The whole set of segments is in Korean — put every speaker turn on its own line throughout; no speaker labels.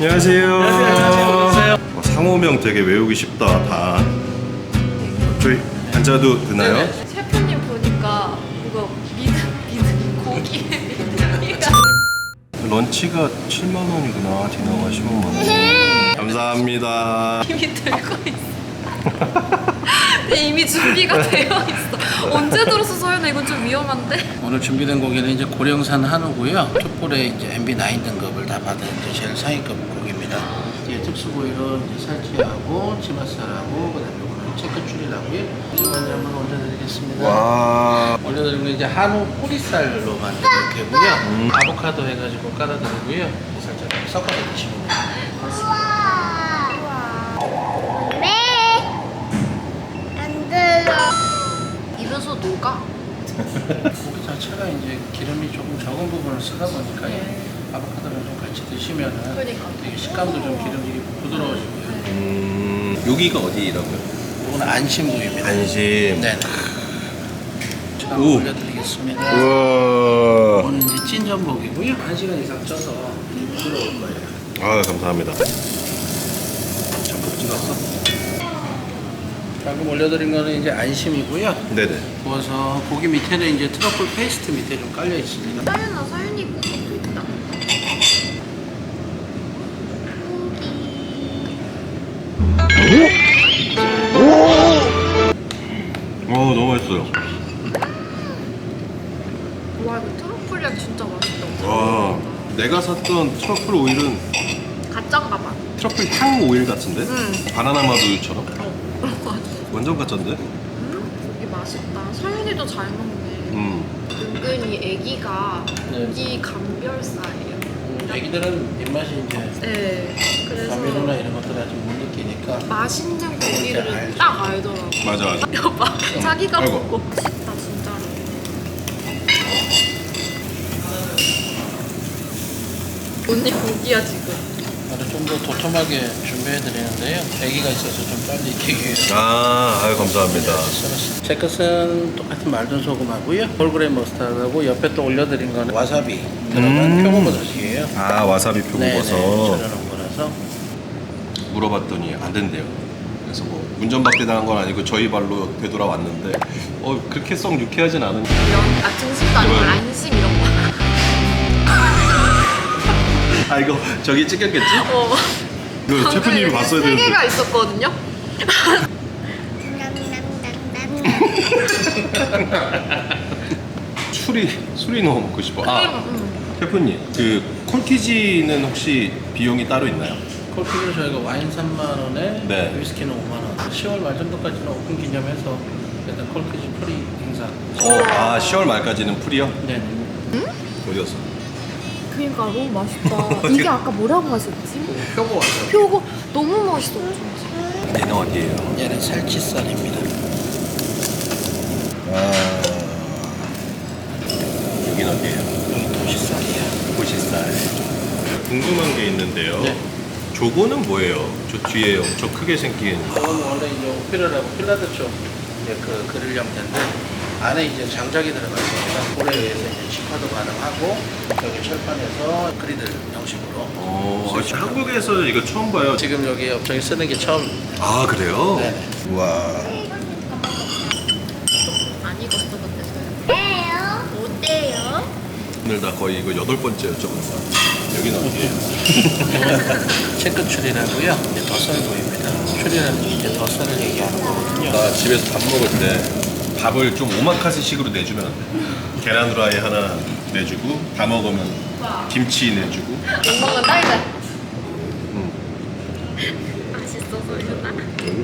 안녕하세요.
안녕하세요.
상호명 되게 외우기 쉽다. 다. 저희 앉아도 되나요?
네네.
셰프님 보니까 이거 미드 고기
런치가 7만 원이구나. 디너가 15만 원. 감사합니다.
이미 들고 있어. 이미 준비가 되어 있어. 언제 들었어 서연아? 이건 좀 위험한데?
오늘 준비된 고기는 이제 고령산 한우고요. 툭불에 이제 MB9 등급을 다 받은 이제 제일 상위급 고기입니다. 이제 특수부위로 이제 살치하고 치맛살하고 그다음에 이거는 체크추리라고요. 지금 먼저 한번 올려드리겠습니다.
와.
올려드리는 건 이제 한우 뿌리살로 만든 육회고요. 아보카도 해가지고 깔아드리고요. 살짝 섞어서 드시면 됩니다.
입에서 녹아.
고기 자체가 이제 기름이 조금 적은 부분을 쓰다 보니까 아보카도를 좀 같이 드시면은
그러니까.
되게 식감도 좀 기름지게 부드러워지고요.
여기가 어디라고요?
이거는 안심구이입니다.
안심.
네. 자,
오.
올려드리겠습니다.
우와.
이거는 이제 찐전복이고요. 1시간 이상 쪄서 부드러울 거예요.
아, 감사합니다. 전복 찍었어?
방금 올려드린 거는 이제 안심이고요.
네네.
구워서 고기 밑에는 이제 트러플 페이스트 밑에 좀 깔려 있습니다.
서연이 것도 있다.
너무 맛있어요.
와 이거 트러플 향 진짜 맛있다.
와, 내가 샀던 트러플 오일은
가짠가 봐.
트러플 향 오일 같은데? 바나나 마두처럼?
그런 거 같아.
완전 가짠데?
고기 맛있다. 서연이도 잘 먹네. 은근히 애기가
네.
고기 감별사예요.
애기들은 입맛이 이제
네. 그래서
감미료나 이런 것들 아직 못 느끼니까
맛있는 고기를
알죠.
딱 알더라고.
맞아, 맞아.
여봐. 자기가
아이고.
먹고 싶다 진짜로. 언니 고기야 지금.
좀 더 도톰하게 준비해 드리는데요. 애기가 있어서 좀 빨리 익히기 위해서
아유, 감사합니다.
썰었습니다. 제 것은 똑같은 말든 소금하고요. 홀그레인 머스타드하고 옆에 또 올려드린 거는 와사비 들어간 표고버섯이에요.
아, 와사비 표고버섯.
절여놓은 거라서
물어봤더니 안 된대요. 그래서 뭐 운전박대 당한 건 아니고 저희 발로 되돌아왔는데 그렇게 썩 유쾌하진 않은.
이런 등심도 아니고
이거요?
안심 이런 거.
아, 이거 저기 찍혔겠지? 이거
방금
셰프님이
이렇게
봤어야
세
되는데.
개가 있었거든요.
술이 너무 먹고 싶어. 아, 셰프님, 그 콜키지는 혹시 비용이 따로 있나요?
콜피는 저희가 와인 3만 원에
네.
위스키는 5만 원. 10월 말 정도까지는 오픈 기념해서 일단 콜피지 프리 행사.
10월 말까지는 풀이요?
네.
어디 갔어?
그러니까 너무 맛있다. 이게 아까 뭐라고 하셨지?
표고 와서
표고 너무 맛있어. 진짜.
얘는 어디예요?
얘는 살치살입니다.
여긴 어디예요?
여기 도시살이에요.
보시살. 궁금한 게 있는데요.
네.
저거는 뭐예요? 저 뒤에 엄청 크게 생긴.
저건 원래 이제 오피라라고 필라드 쪽 이제 그 그릴 형태인데 안에 이제 장작이 들어가 있습니다. 볼에 의해서 이제 직화도 가능하고 여기 철판에서 그리들 형식으로.
한국에서 이거 처음 봐요.
지금 여기 업종이 쓰는 게 처음.
아, 그래요?
네네.
우와.
안 익었어 근데 서연. 어때요?
오늘 나 거의 이거 8번째 여쭤보는 거야. 여기는 어디예요?
체크 추리라고요. 이제 덧설구입니다. 추리라는 게 이제 덧설을 얘기하는 거거든요.
나 집에서 밥 먹을 때 밥을 좀 오마카세식으로 내주면 안 돼. 계란 후라이 하나 내주고 다 먹으면 김치 내주고.
엄마가 딸자. 맛있어 서연아.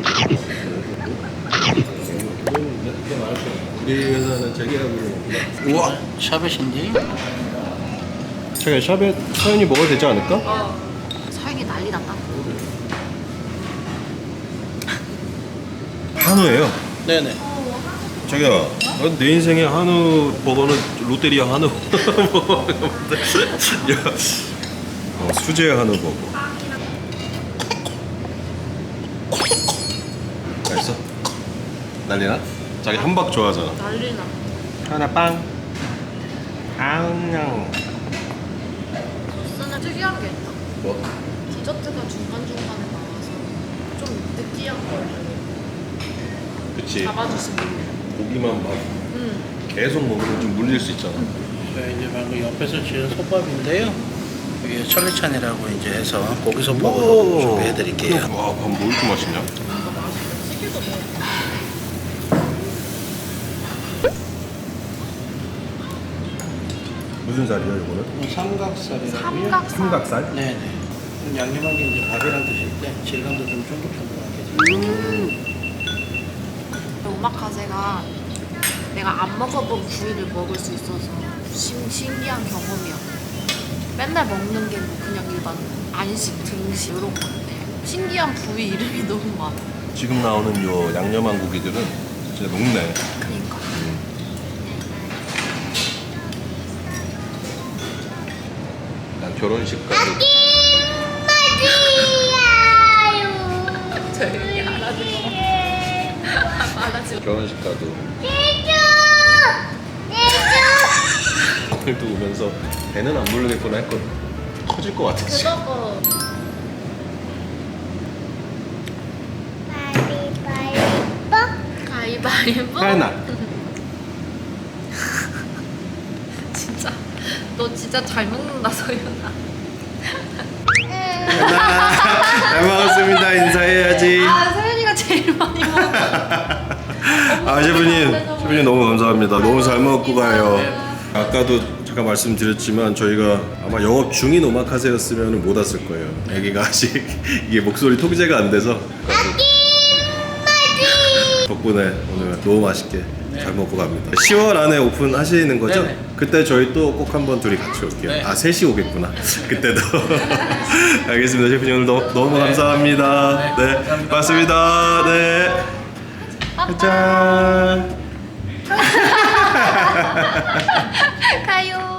우리 회사는 자기하고.
우와. 샤벳인데?
제가 샵에 사연이 먹어도 되지 않을까?
서연이 난리 났다.
한우예요.
네네.
자기야, 내 인생의 한우 버거는 롯데리아 한우 수제 한우 버거. 맛있어? 난리나? 자기 함박 좋아하잖아.
난리 나.
하나 빵. 아웅냥.
소스는 특이한 게 있다.
뭐?
디저트가 중간중간에 나와서 좀 느끼한 걸
그치.
잡아주시는
고기만 막 계속 먹으면 좀 물릴 수 있잖아.
네, 이제 방금 옆에서 지은 솥밥인데요. 이게 천리찬이라고 이제 해서 고기 솥밥으로 준비해드릴게요.
와, 밥 뭐 이렇게 맛있냐?
찌개도 돼.
무슨 살이야, 이거는?
삼각살이라고요.
삼각살?
네네. 양념한 게 이제 밥이랑 드실 때 질감도 좀 쫀득쫀득하게.
오마카세가 내가 안 먹어본 부위를 먹을 수 있어서 신기한 경험이야. 맨날 먹는 게 뭐 그냥 일반 안식, 등식 이런 건데 신기한 부위 이름이 너무 많아.
지금 나오는 요 양념한 고기들은 진짜 녹네.
그니까.
난 결혼식 가서
조용히 알아듣고. 알아듣고.
결혼식 가도 오늘도 오면서 배는 안 부르겠구나 했거든. 터질 것 같아 지금.
그거 가위바위보?
하나.
진짜 너 진짜 잘 먹는다 소연아.
잘 먹었습니다. 인사해야지.
아 소연이가 제일 많이 먹어.
아 셰프님 너무 감사합니다. 너무 잘 먹고 가요. 아까도 잠깐 말씀드렸지만 저희가 아마 영업 중인 오마카세였으면 못 왔을 거예요. 애기가 아직 이게 목소리 통제가 안 돼서. 덕분에 오늘 너무 맛있게 잘 먹고 갑니다. 10월 안에 오픈하시는 거죠?
네네.
그때 저희 또 꼭 한번 둘이 같이 올게요.
네.
아 셋이 오겠구나. 그때도. 알겠습니다. 셰프님 오늘 너무 감사합니다. 네,
감사합니다.
고맙습니다. 네. 짠.
가요.